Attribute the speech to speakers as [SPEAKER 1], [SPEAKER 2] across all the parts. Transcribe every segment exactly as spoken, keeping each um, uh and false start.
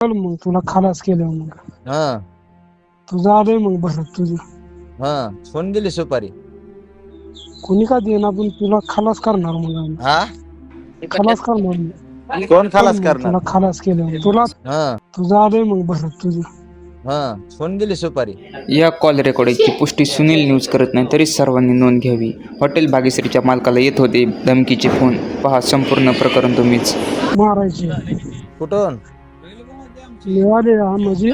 [SPEAKER 1] चल मग तुला खलास केलं मग
[SPEAKER 2] हा
[SPEAKER 1] तुझं आलंय मग भरत तुझं.
[SPEAKER 2] हा कोण दिली सुपारी?
[SPEAKER 1] कोणी का देईना पण तुला खलास करणार मग आम्ही.
[SPEAKER 2] हा
[SPEAKER 1] खलास करणार मग.
[SPEAKER 2] कोण
[SPEAKER 1] चल
[SPEAKER 2] खलास
[SPEAKER 1] मग
[SPEAKER 2] करणार?
[SPEAKER 1] तुला खलास केलं मग तुला
[SPEAKER 2] हा
[SPEAKER 1] तुझं आलंय मग भरत तुझं.
[SPEAKER 2] हा कोण दिली सुपारी?
[SPEAKER 3] या कॉल रेकॉर्डिंगची पुष्टी सुनील न्यूज करत नाही, तरी सर्वांनी नोंद घ्यावी. हॉटेल भाग्यश्रीच्या मालकाला येत होते धमकीचे फोन. पहा संपूर्ण प्रकरण तुम्हीच.
[SPEAKER 1] मारायची
[SPEAKER 2] कुठून?
[SPEAKER 1] मिळाले हा म्हणजे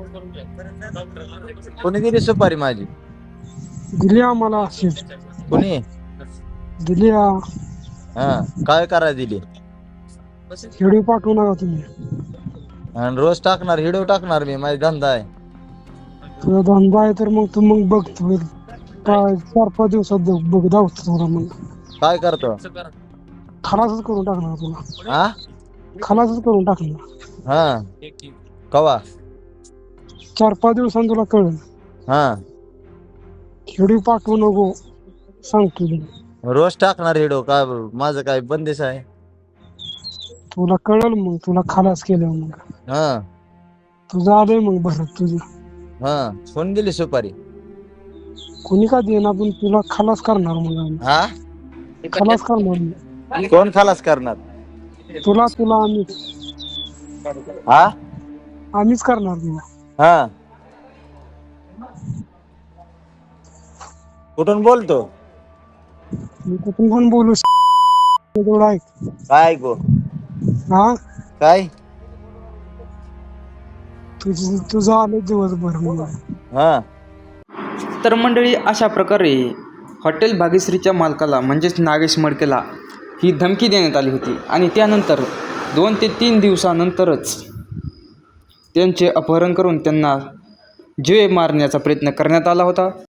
[SPEAKER 2] कोणी दिली सुपारी माझी?
[SPEAKER 1] दिली आम्हाला अशीच
[SPEAKER 2] कोणी?
[SPEAKER 1] दिली हा.
[SPEAKER 2] हा काय करायला दिली?
[SPEAKER 1] व्हिडिओ पाठवू नका तुम्ही.
[SPEAKER 2] आणि रोज टाकणार व्हिडिओ टाकणार मी, माझा धंदा आहे.
[SPEAKER 1] तुझा धंदा आहे तर मग तू मग बघ तू पाच चार पाच दिवसात बघ बघ दावतो तुला मग.
[SPEAKER 2] काय करतो?
[SPEAKER 1] खलासच करून टाकणार तुला.
[SPEAKER 2] हा
[SPEAKER 1] खलासच करून टाकणार.
[SPEAKER 2] हा कवा?
[SPEAKER 1] चार पाच दिवसांनी तुला कळेल.
[SPEAKER 2] हा
[SPEAKER 1] व्हिडिओ पाठवू नको सांगतो तुला.
[SPEAKER 2] रोज टाकणार व्हिडिओ का? माझं काय बंदिश आहे?
[SPEAKER 1] तुला कळेल मग तुला खलास केलं मग.
[SPEAKER 2] हा
[SPEAKER 1] तुझं आलंय मग भरत तुझं.
[SPEAKER 2] हा कोण दिली सुपारी?
[SPEAKER 1] कोणी का देईना पण तुला खलास करणार मग आम्ही.
[SPEAKER 2] हा
[SPEAKER 1] खलास करणार मग.
[SPEAKER 2] कोण खलास करणार?
[SPEAKER 1] तुला तुला आम्हीच
[SPEAKER 2] हा
[SPEAKER 1] आम्हीच करणार तुला.
[SPEAKER 2] हा कुठून बोलतो?
[SPEAKER 1] मी कुठून पण बोलू तेवढं ऐक.
[SPEAKER 2] काय ऐकू?
[SPEAKER 1] हा
[SPEAKER 2] काय?
[SPEAKER 1] तुझं तुझं आलं दिवसभर मग.
[SPEAKER 2] हा
[SPEAKER 3] तर मंडळी, अशा प्रकारे हॉटेल भाग्यश्रीच्या मालकाला म्हणजेच नागेश मडकेला ही धमकी देण्यात आली होती. आणि त्यानंतर दोन ते तीन दिवसानंतरच त्यांचे अपहरण करून त्यांना जीवे मारण्याचा प्रयत्न करण्यात आला होता.